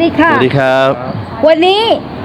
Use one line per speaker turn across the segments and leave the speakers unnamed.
ดีค่ะ
สวัสดีครับ
วันนี้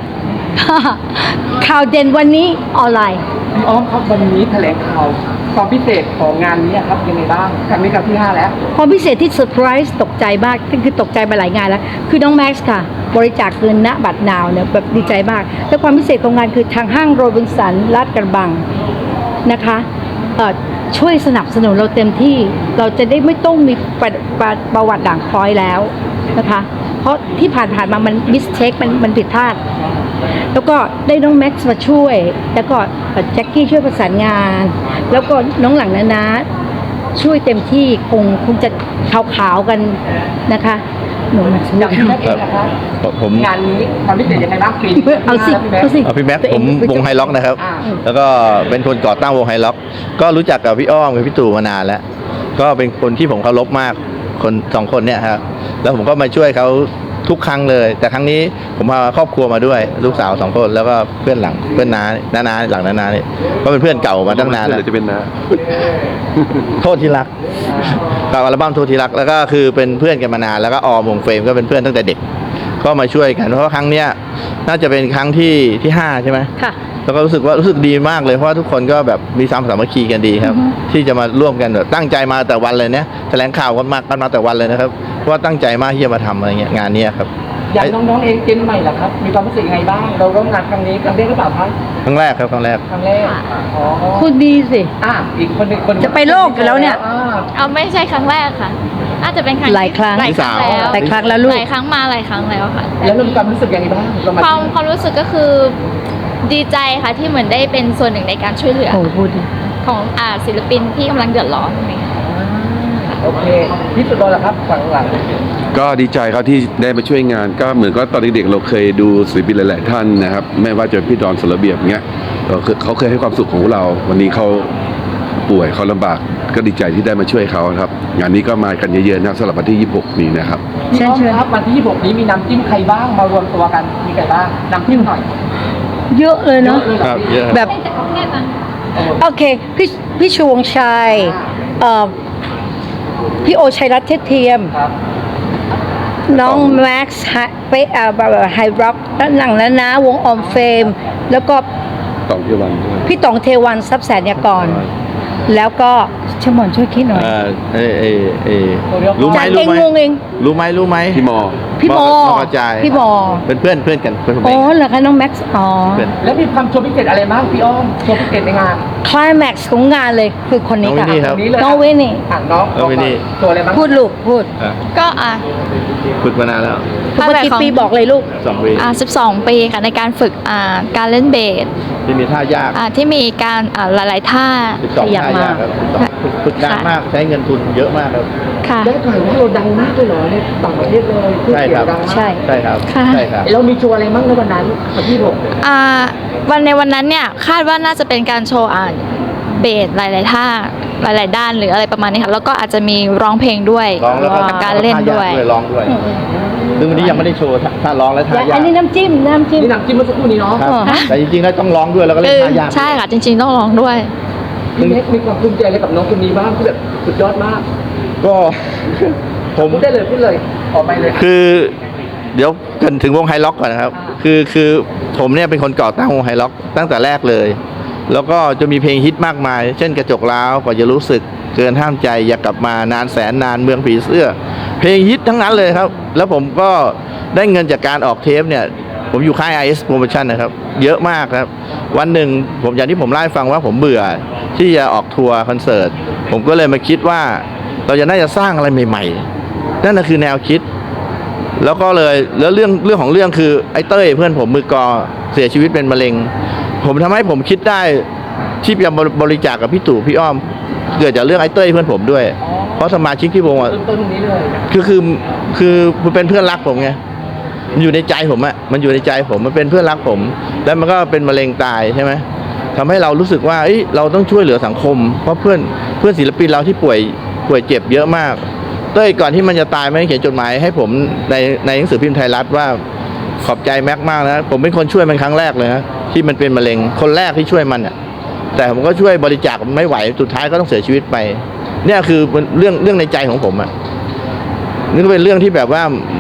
ข่าวเด่นวันนี้ออนไลน์
พี่อ้อมครับวันนี้แถลงข่าวความพิเศษของงานนี้ครับยังไงบ้างครั้งนี้ครั้งที่ 5 แล้ว
ความพิเศษที่เซอร์ไพรส์ตกใจมากคือตกใจมาหลายงานแล้ว คือน้องแม็กซ์ค่ะ บริจาคเงินณบัตรนาวเนี่ยแบบดีใจมาก และความพิเศษของงานคือทางห้างโรบินสันลาดกระบังนะคะช่วยสนับสนุนเราเต็มที่เราจะได้ไม่ต้องมีประวัติด่างพร้อยแล้วนะคะเพราะที่ผ่านมามันมิสเทคมันผิดพลาดแล้วก็ได้น้องแม็กซ์มาช่วยแล้วก็แจ็คกี้ช่วยประสานงานแล้วก็น้องหลังนะช่วยเต็มที่คงจะขาวๆกันนะคะหนูนะ
จากพี่แม็กเองนะครับ
ผม
งานนี้ความพิเศษยังไงบ้างปีนี้
เอาสิ
พี่แม็กผมวงไฮล็อกนะครับ แล้วก็เป็นคนก่อตั้งวงไฮล็อกก็รู้จักกับพี่อ้อมกับพี่ตู่มานานแล้วก็เป็นคนที่ผมเคารพมากคน2 คนเนี่ยครับแล้วผมก็มาช่วยเขาทุกครั้งเลย แต่ครั้งนี้ผมพาครอบครัวมาด้วยลูกสาว2 คนแล้วก็เพื่อนน้าหลังน้านี่ก็เป็นเพื่อนเก่ามาตั้งนานแล้วจะเป็นน้าโทษที่รักกับอัลบั้มโทษที่รักแล้วก็คือเป็นเพื่อนกันมานานแล้วก็ออมวงเฟรมก็เป็นเพื่อนตั้งแต่เด็กก็มาช่วยกันเพราะว่าครั้งเนี้ยน่าจะเป็นครั้งที่5ใช่ไหม
ค่ะ
แล้วก็รู้สึกดีมากเลยเพราะว่าทุกคนก็แบบมีสามัคคีกันดีครับที่จะมาร่วมกันแบบตั้งใจมาแต่วันเลยเนี่ยแถลงข่าวกันมาแต่วันเลยนะครับเพราะว่าตั้งใจมากที่จะมาทำอะไรเงี้ยงานนี้ครับ
อย่างน้องๆเองเจนใหม่ล่ะครับมีความรู้สึกยังไงบ้างเราร่วมงานครั้งนี้ครั้งแรกหรือเปล่าครับ
ครั้งแรกครับครั้งแรก
ครั้งแรกอ๋อ
คุณดีสิ
อีกคนหนึ่งคน
จะไปโลกอยู่แล้วเนี่ย
เอาไม่ใช่ครั้งแรกค่ะน่าจะเป็นครั้ง
หลายครั้ง
หลายครั้งแล้ว
หลายครั้งแล้วลูก
หลายครั้งมาหลายครั้งแล้วค่ะ
แล้วเรามีความรู้สึกยังไงบ้างเรามา
ความรู้สึกก็คือดีใจค่ะที่เหมือนได้เป็นส่วนหนึ่งในการช่วยเหลือ
โอ้พูดดิ
ของศิลปินที่กำลังเดือดร้อนอะไรอย่างเงี้ย
โอเคพี่สุดยอดแล้วครับฝั่งหลัง
ก็ดีใจครับที่ได้มาช่วยงานก็เหมือนก็ตอนเด็กๆเราเคยดูศิลปินหลายๆท่านนะครับไม่ว่าจะเป็นพี่ดอนสระเบียบเงี้ยเขาเคยให้ความสุขของเรา วันนี้เขาป่วยเขาลำบากก็ดีใจที่ได้มาช่วยเขาครับงานนี้ก็มากันเยอะๆนะครับสำหรับวันที่ 26 นี้นะครับ
พี่อ้อมครับวันที่ 26 นี้มีน้ำจิ้มใครบ้างมารวมตัวกันมีใครบ้างน้ำจิ้มหน่อย
เยอะเลยเนาะ
เยอะเลย
ครับเยอะครับ
แบบโอเคพี่ชวงชัยพี่โอชัยรัตน์เทศเทียม
ครับ
น้องแม็กซ์ไฮร็อกแล้วหลังนะวงออมเฟม แล้วก็
ต่อเทวันด้วย
พี่ต๋องเทวันทรัพย์แสนยากร แล้วก็ชมอนช่วยคิดหน่อย
รู้ไหม
จาน
รู้
เอง
ไหม
งงเอง
รู้ไหม
พี่มอ
พี่โม
กระจาย
พี่โม
เป็นเพื่อนกันเพื่อนผม
อ๋
เอ
อง เหรอคะน้องแม็กซ์อ๋อ
เพื่อน
แล้วมีความโชว์พิเศษอะไรบ้างพี่อ้อมโชว์พิเศษในงาน
คลายแม็กซ์ของงานเลยคือคนนี้
น้องวิ
ค่ะ
นนี่ครับ
ตรงนี้เลย
น้องวินนี่
น้อง
น้องวินนี่
โชว์อะไรบ้าง
พูดลูกพูด
ก็
ฝึกมานานแล้ว
เมื่อกี่ปีบอกเลยลูก
2 ปี
12 ปีค่ะในการฝึกการเล่นเบส
ที่มีท่ายาก
ที่มีการหลายๆท่า
12
ขยับ
ท่ายากครับ12ฝึกนานมากใช้เงินทุนเยอะมากครับ
ค่ะ
ได้ข่าวว่าเราดังมากเลยเหรอในต่างประเทศเลยชื่อ
ใช่
เสี
ค
ย
รั
ง
บ
ดังมาก
ใช่
ใช่ครับ
ค่ะ
ใช่ครับ
เรามีโชว์อะไรบ้างในวันนั้นวันที่6
ในวันนั้นเนี่ยคาดว่าน่าจะเป็นการโชว์เบสหลายๆท่าหลายๆด้านหรืออะไรประมาณนี้ค่ะแล้วก็อาจจะมีร้องเพลงด้วย
ร้องแล้วก็
กับการเล่นด้วย
ร้องด้วยซึ่งวันนี้ยังไม่ได้โชว์ท่าร้องและท่ายา
อั
ก
นนี้น้ำจิ้ม
นี่น้ำจิ้มเมื่อสักครู่นี้เนาะ
ครับแต่จริงๆแล้วต้องร้องด้วยแล้วก็เล่นท่ายาก
ใช่ค่ะจริงๆต้องร้องด้วย
พี่เน็กมีความภูมิใจอะไรกับน้องคนนี้บ้างที่แบบสุดยอดมาก
ก็ผม
พูดได้เลยพูดเลยออกไปเลย
คือเดี๋ยวกันถึงวงไฮล็อกก่อนนะครับคือผมเนี่ยเป็นคนก่อตั้งวงไฮล็อกตั้งแต่แรกเลย แล้วก็จะมีเพลงฮิตมากมาย เช่นกระจกร้าวกว่าจะรู้สึกเกินห้ามใจอยากกลับมานานแสนนานเมืองผีเสื้อ เพลงฮิตทั้งนั้นเลยครับ แล้วผมก็ได้เงินจากการออกเทปเนี่ยผมอยู่ค่าย IS Promotion นะครับเยอะมากครับวันหนึ่งผมอย่างที่ผมเล่าให้ฟังว่าผมเบื่อที่จะออกทัวร์คอนเสิร์ตผมก็เลยมาคิดว่าเราจะน่าจะสร้างอะไรใหม่ๆนั่นคือแนวคิด แล้วก็เลยแล้วเรื่องของเรื่องคือไอ้เต้ยเพื่อนผมมือกอเสียชีวิตเป็นมะเร็งผมทำให้ผมคิดได้ที่จะบริจาคกับพี่ตู่พี่อ้อมเกิดจากเรื่องไอ้เต้ยเพื่อนผมด้วยเพราะสมาชิกที่วงอ่ะ
เริ่มต้นตรงนี้เลย
คือเป็นเพื่อนรักผมไงมันอยู่ในใจผมอ่ะมันอยู่ในใจผมมันเป็นเพื่อนรักผม แล้วมันก็เป็นมะเร็งตายใช่ไหมทำให้เรารู้สึกว่าเราต้องช่วยเหลือสังคมเพราะเพื่อนศิลปินเราที่ป่วยเจ็บเยอะมากเต้ยก่อนที่มันจะตายมันเขียนจดหมายให้ผมในหนังสือพิมพ์ไทยรัฐว่าขอบใจแม็กมากนะผมเป็นคนช่วยมันครั้งแรกเลยนะที่มันเป็นมะเร็งคนแรกที่ช่วยมันอ่ะแต่ผมก็ช่วยบริจาคไม่ไหวสุดท้ายก็ต้องเสียชีวิตไปเนี่ยคือเรื่องในใจของผมอ่ะนี่ก็เป็นเรื่องที่แบบว่า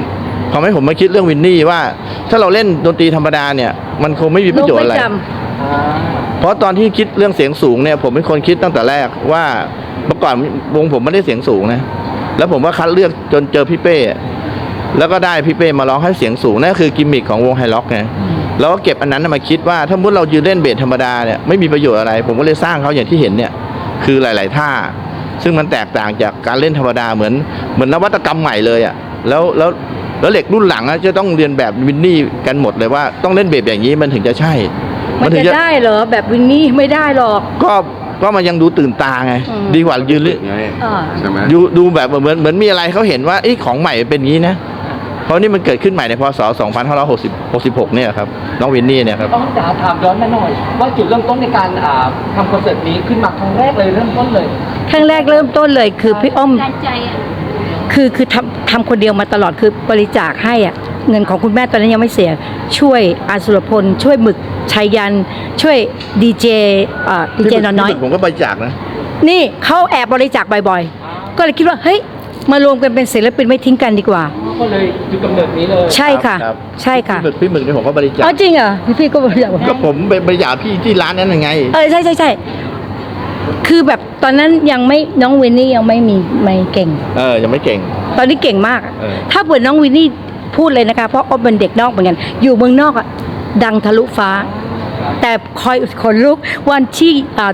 ทำให้ผมมาคิดเรื่องวินนี่ว่า ถ้าเราเล่นดนตรีธรรมดาเนี่ยมันคงไม่มีประโยชน์อะไร
โลกม่จ
เพราะตอนที่คิดเรื่องเสียงสูงเนี่ยผมเป็นคนคิดตั้งแต่แรกว่าเมื่อก่อนวงผมไม่ได้เสียงสูงนะแล้วผมก็คัดเลือกจนเจอพี่เป้แล้วก็ได้พี่เป้มาร้องให้เสียงสูงนั่นคือกิมมิคของวงไฮล็อกไงแล้วก็เก็บอันนั้นมาคิดว่าถ้ามุดเรายืนเล่นเบสธรรมดาเนี่ยไม่มีประโยชน์อะไร ผมก็เลยสร้างเขาอย่างที่เห็นเนี่ยคือหลาย ๆ ท่า ซึ่งมันแตกต่างจากการเล่นธรรมดาเหมือนนวัตกรรมใหม่เลยอ่ะแล้วเหล็กรุ่นหลังจะต้องเรียนแบบวินนี่กันหมดเลยว่าต้องเล่นเบสอย่างนี้มันถึงจะใช่
มัน
ถึ
จะ
งจะ
ได้เหรอแบบวินนี่ไม่ได้หรอก
ก็มันยังดูตื่นตาไง
อืม
ดีกว่ายืน
ไง
อ่า
ใช่ไหม
ดูแบบเหมือนมีอะไรเขาเห็นว่าไอ้ของใหม่เป็นอย่างนี้นะเพราะนี่มันเกิดขึ้นใหม่ในพศ 2566 เนี่ยครับน้องวินนี่เนี่ยครับ
ต้องจ๋าถามย้อนมาหน่อย ว่าจุดเริ่มต้นในการทำคอนเสิร์ตนี้ขึ้นมาครั้งแรกเลยเริ่มต้นเลย
ครั้งแรกเริ่มต้นเลยคือพี่อ้อมคือทำคนเดียวมาตลอดคือบริจาคให้อ่ะเงินของคุณแม่ตอนนั้นยังไม่เสีย ช่วยอาสุรพล ช่วยหมึกชัยยัน ช่วยดีเจดีเจน้อย
ผมก็บริจาคนะ
ๆนี่เขาแอบบริจาคบ่อยๆ ก็เลยคิดว่าเฮ้ยมารวมกันเป็นศิลปินไม่ทิ้งกันดีกว่า
ก็เลยจุดกำเนิดนี้เลย
ใช่ค่ะ
รับ
ใช่ค่ะ
พี่หมึกเนี่ยผมก็บริจาค
อ๋อจริงเหรอพี่ก็บริจาค
ก็ผมไปบริจาคพี่ที่ร้านนั้นยังไง
ใช่ใช่ใช่คือแบบตอนนั้นยังไม่น้องวินนี่ยังไม่เก่ง
ยังไม่เก่ง
ตอนนี้เก่งมาก ถ้าเปิดน้องวินนี่พูดเลยนะคะ เพราะอ้อมเป็นเด็กนอกเหมือนกัน อยู่เมืองนอกอ่ะดังทะลุฟ้า แต่คอยขนลุกวันที่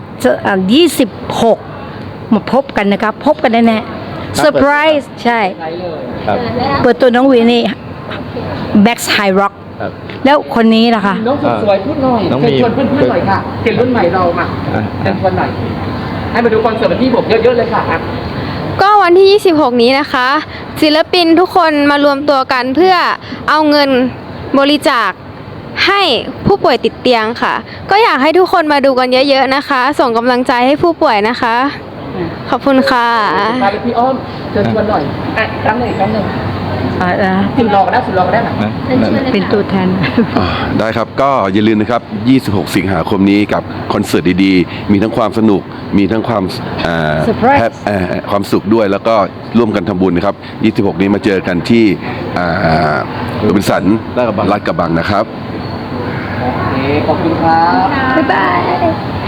26 มาพบกันนะคะ พบกันแน่ๆเซอร์ไพรส์ใช่
ใช่เลย
ครับ
เปิดตัวน้องวินนี่แบ็กไฮร็อก
ครับ
แล้วคนนี้ล่ะคะ
น้องสุดสวยพูดหน่อย
น้อง
เชิญ
มี
ชวนเพื่อนๆหน่อยค่ะเห็นรุ่นใหม่เรามา
อ่ะ
เชิญชวนหน่อยให้มาดูคอนเสิร์ตวันที่ผมเยอะๆเลยค่ะ
ก็วันที่ 26 นี้นะคะ ศิลปินทุกคนมารวมตัวกันเพื่อเอาเงินบริจาคให้ผู้ป่วยติดเตียงค่ะ ก็อยากให้ทุกคนมาดูกันเยอะๆนะคะ ส่งกำลังใจให้ผู้ป่วยนะคะ ขอบคุณค่ะ
มาเลยพี่อ้อมเชิญชวนหน่อยครั้งหนึ่งครั้งหนึ่งสุดรอก็ได้สุดรอก็ได้ไหม
เป็นตัวแทน
ได้ครับก็อย่าลืมนะครับ 26 สิงหาคมนี้กับคอนเสิร์ตดีๆ มีทั้งความสนุก มีทั้งความ
Surprise
ความสุขด้วย แล้วก็ร่วมกันทำบุญนะครับ 26 นี้มาเจอกันที่โรบินสัน
ลาดกระบัง
ลาดกระบังนะครับ
โอเค ขอบคุณครับ
บ๊ายบาย